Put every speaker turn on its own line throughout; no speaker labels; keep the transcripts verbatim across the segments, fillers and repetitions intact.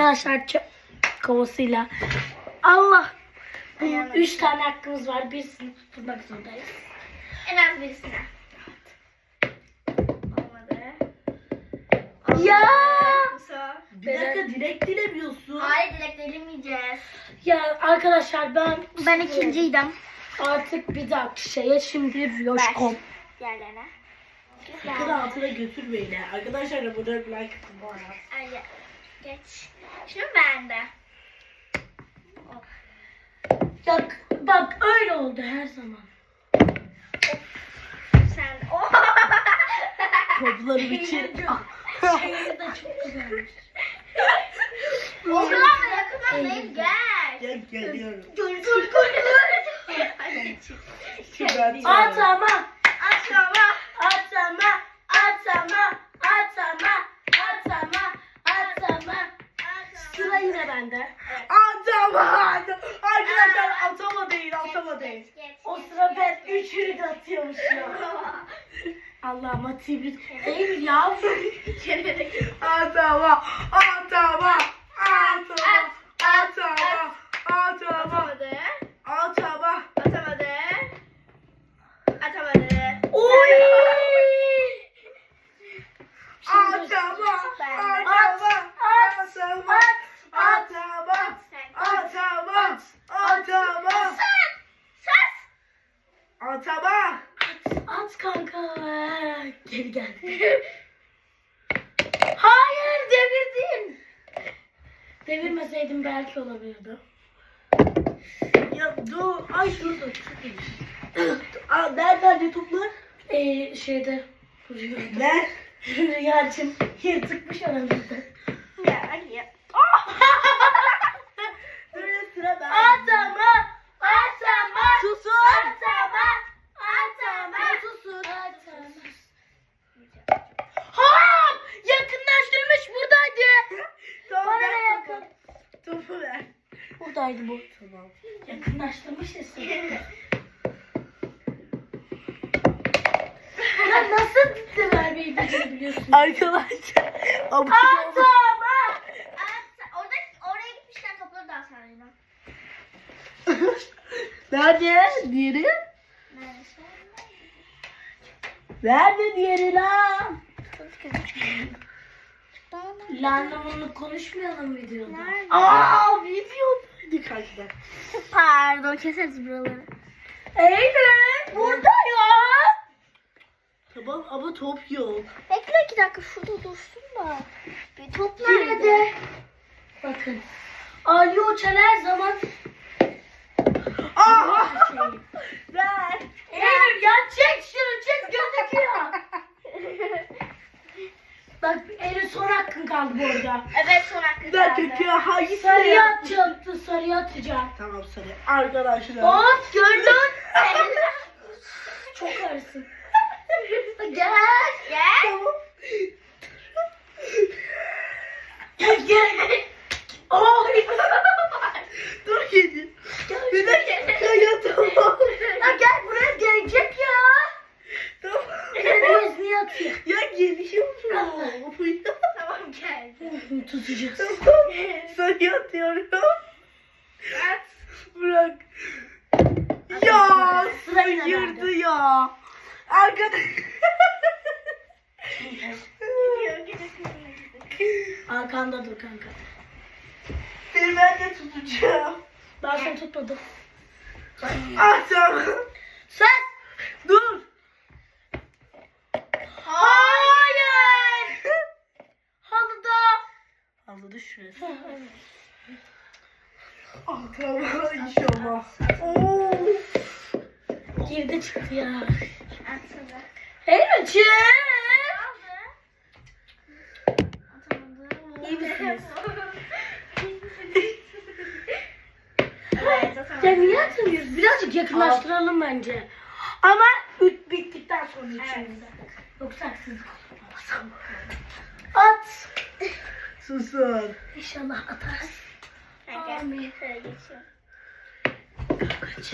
Arkadaşlar çöp kovasıyla. Allah.
Ayağına
Üç tane hakkımız var. Birisini tutturmak zorundayız.
En az birisine. Olmadı.
Ya.
Musa.
Bir dakika direkt dilemiyorsun.
Hayır, dilek dilemeyeceğiz.
Ya arkadaşlar ben
Ben ikinciydim.
artık bir dahaki şeye şimdi Yoşkom.
Yerlerine.
Sakın altına götürmeyin ha. Arkadaşlar da burada like atın bu arada.
Ay, geç. Şimdi ben de.
Bak, bak öyle oldu her zaman.
Sen. Oh.
Toplarım için.
Şeyleri de çok güzelmiş.
O kadar da yakından değil, gel.
Gel geliyorum.
Dur dur dur dur.
Şimdi ben
Atama,
Aşağıma.
atama, atama, atama, atama, atama. Sıra yine bende.
Atamadım. Arkadaşlar atama değil atama değil.
Geç, geç,
O
geç,
sıra
geç,
ben
geç.
üçünü de atıyormuşum. Allah'ım atayım. Değil mi ya?
Atama. Atama. Atama. Atama. Atama.
Atamadı.
Atama.
Atamadı. Atamadı.
Oy!
Atama.
Ben-
Atama. Atama. Atama.
Sen-
Atama. Atama.
Sus.
Atama.
At kanka. Geri gel. Hayır devirdin. Devirmeseydim belki olabilirdi.
Ya dur. Ay dur dur. Aa, nerede toplar?
Ee, şeyde rüya.
Ne?
Rüyacım yırtıkmış aramızda.
Ya ya.
Dur sıra ben.
Atama, atama,
Susun.
atama, atama, susun. Atama. Hop! Yakınlaştırmış buradaydı.
Tamam
Bana
ver
ne
topu.
yakın?
Topu ver.
Buradaydı bu.
Tamam.
Yakınlaştırmış ya seni. Ya nasıl gitti vermeyi becerebiliyorsun?
Arkadaşlar. Abuk
Atama.
At- Orada oraya gitmişken topları da atarına.
Nerede? Diğeri?
Neresi?
Nerede diğeri lan?
Lanla bunu konuşmayalım videoda.
Nerede?
Aa videodaydık arkadaşlar.
Pardon, keseriz buraları.
Eylül burada ya.
Tamam ama top yok.
Bekle iki dakika, şurada dursun da. Bir top
Yine
nerede?
de bakın. Ali Uçan her zaman
Aa!
şey.
Ver.
Eylül ya çek şunu çek gözüküyor. Bak Eylül son hakkın kaldı bu arada.
Evet, son hakkı
Bir
kaldı.
dakika hangisi?
Sarıya atacaktı sarıya atacağım.
Tamam sarı. Arkadaşlar.
Of gördün. Çok ağırsın. Gel.
Gel.
Tamam.
Gel gel. Oy.
Dur gidi. Bir dakika ya tamam.
Ya gel buraya gelecek ya.
Tamam.
Nereye niye atıyor?
Ya geliyorum.
Tamam, geldi.
Tutacağız.
Tamam. Sarı atıyorum.
At.
Bırak. Ya
Sıra yine
sıyırdı
bende.
ya. Arkadaş.
Arkanda dur kanka.
Seni ben de tutacağım.
Ben seni tutmadım.
Ah tamam.
Sen.
Dur.
Hayır. Halıda.
Halıda şurası. Ah tamam inşallah. Oo.
Girdi çıktı ya.
Atsana.
Eylül çık.
Atamadım.
İyi misiniz?
Evet, atamadım.
Ya niye atamıyoruz? Birazcık yakınlaştıralım bence. Ama üt bittikten sonra içimizde. Yoksa haksızlık olur. At.
Susun.
İnşallah atarsın.
Gel,
Amin.
şöyle geçiyorum.
Kaç.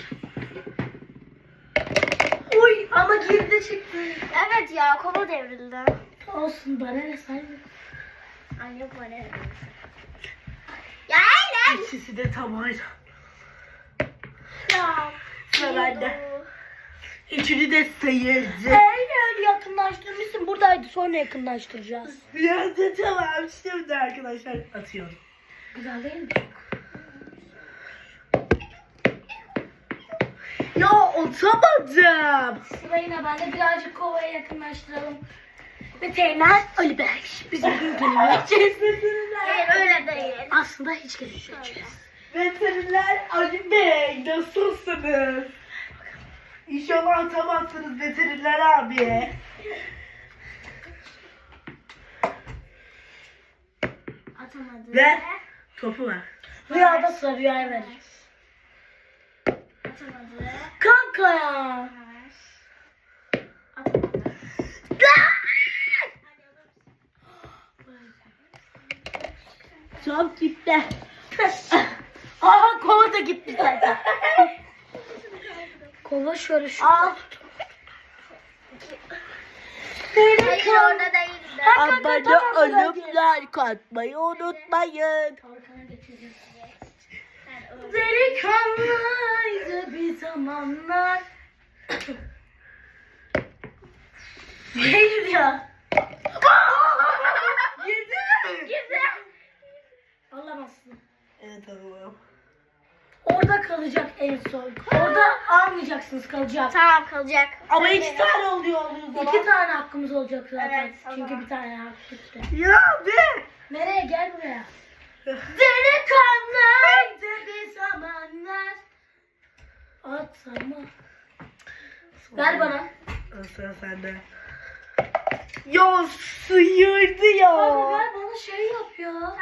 Uy ama geride çıktı.
Evet ya, kova devrildi.
Olsun bana ne saymıyor.
Ay yok, bana ne?
İkisi de tam aynı.
Ya.
Sıra bende. Üçünü de sayıldı.
Eğer yakınlaştırmışsın buradaydı sonra yakınlaştıracağız.
Ya da tamam şimdi arkadaşlar atıyorum.
Güzel değil mi?
Ya atamadım.
Sıra yine bende birazcık kovaya yakınlaştıralım. Veteriner Ali Bey. Biz bugün görüşeceğiz.
Hayır öyle değil.
Aslında hiç görüşmeyeceğiz.
Veteriner Ali Bey nasılsınız? İnşallah atamazsınız veteriner abi.
Atamadı.
Ver. Topu ver.
Rüyada sıra rüyaya verir.
Atamadı.
Kanka ya.
Atamadı.
Top gitti.
Aha kova da gitti zaten. Kova şöyle şu.
Al.
Hayır orada değildi.
Abone olup like atmayı unutmayın.
Delikanlıydı bir zamanlar. Neydi ya?
Girdi.
Girdi.
Alamazsın.
Evet alalım.
Orada kalacak en son. Orada almayacaksınız, kalacak.
Tamam kalacak.
Ama
Söyle.
iki tane oluyor oluyor zaman.
İki tane hakkımız olacak zaten.
Evet, o
Çünkü
zaman.
bir tane hak gitti.
Ya be.
Nereye? Gel buraya. Delikanlıydı bir zamanlar. At ama. Ver bana.
Sıra sende. Ya sıyırdı ya.
Abi ver bana şey yap ya.
Tamam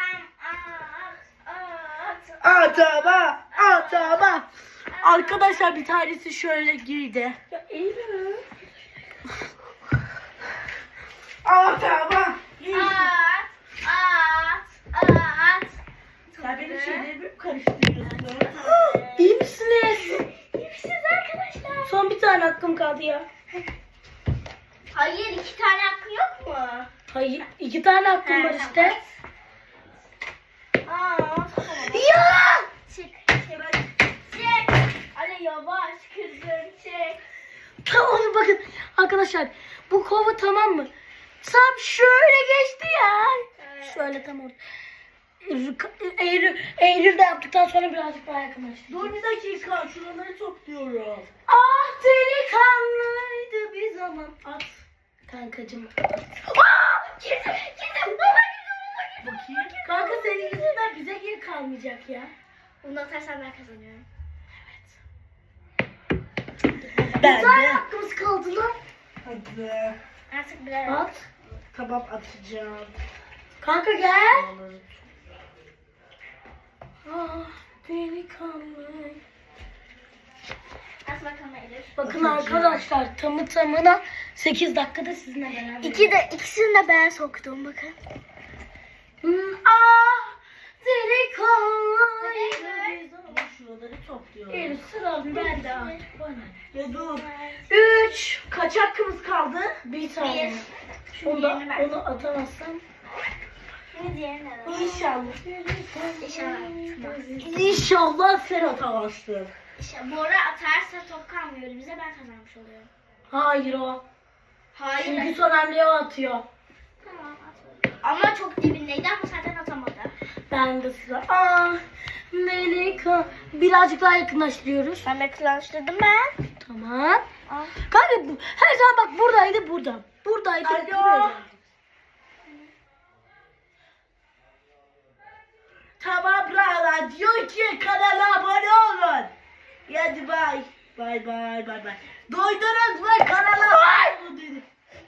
at at at.
Atama. Atama. Arkadaşlar bir tanesi şöyle girdi.
Ya iyi mi?
Atama.
At at at.
Sen benim şeylerimi mi karıştırıyorsun?
İyi misiniz?
İyi misiniz arkadaşlar?
Son bir tane hakkım kaldı ya.
Hayır iki tane hakkın yok mu?
Hayır, iki tane hakkım
He,
var işte.
Aa, tamam.
Ya!
Çık çık. Çık. Ali yavaş kızım çık.
Tamam bakın arkadaşlar bu kova tamam mı? Tam şöyle geçti ya.
Evet.
Şöyle tam orada. Eylül, Eylül de yaptıktan sonra birazcık daha yakınlaştı.
Dur bir dakika şuraları topluyorum.
Ah delikanlıydı bir zaman. At kankacım. Aa, girdim girdim. Baba girdim baba girdim.
Bakayım.
Kanka senin yüzünden bize geri kalmayacak ya.
Bunu atarsan ben kazanıyorum.
Bir
Ben
tane
de.
hakkımız kaldı lan.
Hadi.
Artık birer
At.
Tamam atacağım.
Kanka gel.
Onları-
Ah delikanlı.
at bakalım Elif.
Bakın arkadaşlar tamı tamına sekiz dakikada sizinle beraber.
İki de ikisini de ben soktum bakın.
Hmm, ah delikanlı.
Ama şuraları topluyorum.
Elif sıra bende artık bana.
Ya dur.
Üç.
Kaç hakkımız kaldı?
Bir tane.
Bir. Şimdi
Onu, da,
diğerini ver.
onu atamazsam.
Şimdi diğerini ver.
İnşallah.
İnşallah.
İnşallah sen atamazsın.
İşte Bora atarsa top kalmıyor bize ben kazanmış oluyorum.
Hayır o.
Hayır.
Çünkü son hamleyi o atıyor.
Tamam at. Ama çok dibindeydi ama zaten atamadı.
Ben de sıra. Ah delikanlı. Birazcık daha yakınlaştırıyoruz.
Ben yakınlaştırdım ben.
Tamam.
Al.
Kanka bu- her zaman bak buradaydı burada. Buradaydı.
Alo.
buraya.
Tamam bravo. Diyor ki kanala abone olun. Hadi bay. Bay bay bay bay. Duydunuz mu kanala abone olun dedi.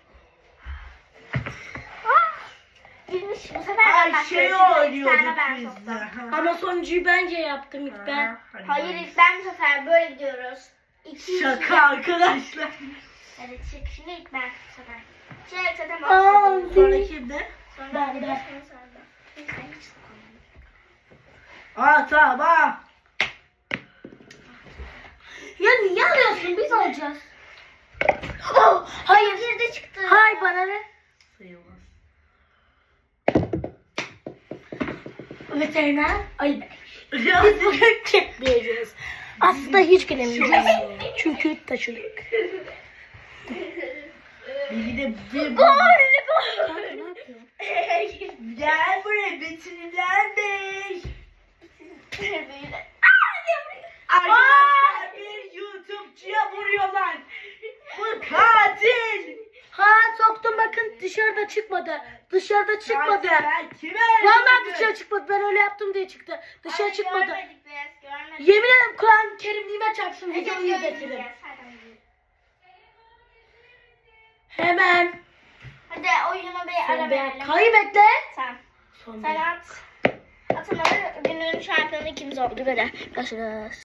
Girmiş bu sefer ben
Ay şey
başlıyorum. Şimdi iki
oynuyorduk
tane ben
biz
soktum.
de.
Ama sonuncuyu bence yaptım ilk ben.
Hadi
Hayır
bay.
ilk ben bu sefer böyle gidiyoruz. İki
Şaka arkadaşlar.
Evet çık şimdi ilk ben bu sefer. Çık zaten
Aa,
başladım.
Sonra kimde?
Sonra
ben
bir
de.
de sonra sonra. Hiç ben hiç sıkılmadım.
Aa tamam.
Ya niye alıyorsun? Biz alacağız. Oh, hayır.
Girdi çıktı.
Hayır bana ne?
Sayılmaz.
Veteriner Ali Bey. Biz bugün çekmeyeceğiz. Aslında hiç gelemeyeceğiz. Çünkü taşıdık.
Bir de bir
Gol
Kanka ne yapıyorsun?
Gel buraya Betinler Bey. Arkadaşlar bir YouTube'cuya vuruyorlar. Bu katil.
Ha soktum bakın dışarıda çıkmadı. Dışarıda çıkmadı.
Katil, ben kime
Vallahi
öldürdüm?
dışarı çıkmadı. Ben öyle yaptım diye çıktı. Dışarı çıkmadı.
Görmedik biz görmedik.
Yemin ederim Kur'an-ı Kerimliğime çarpsın
Ece,
videoyu
görmeyeceğiz,
izletirim.
hadi.
Hemen.
Hadi oyunu bir ara
Sen
verelim.
be, kayı bekle.
Sen.
Son
Sen
bir.
at. Atın ama günün şampiyonu ikimiz oldu böyle. Görüşürüz.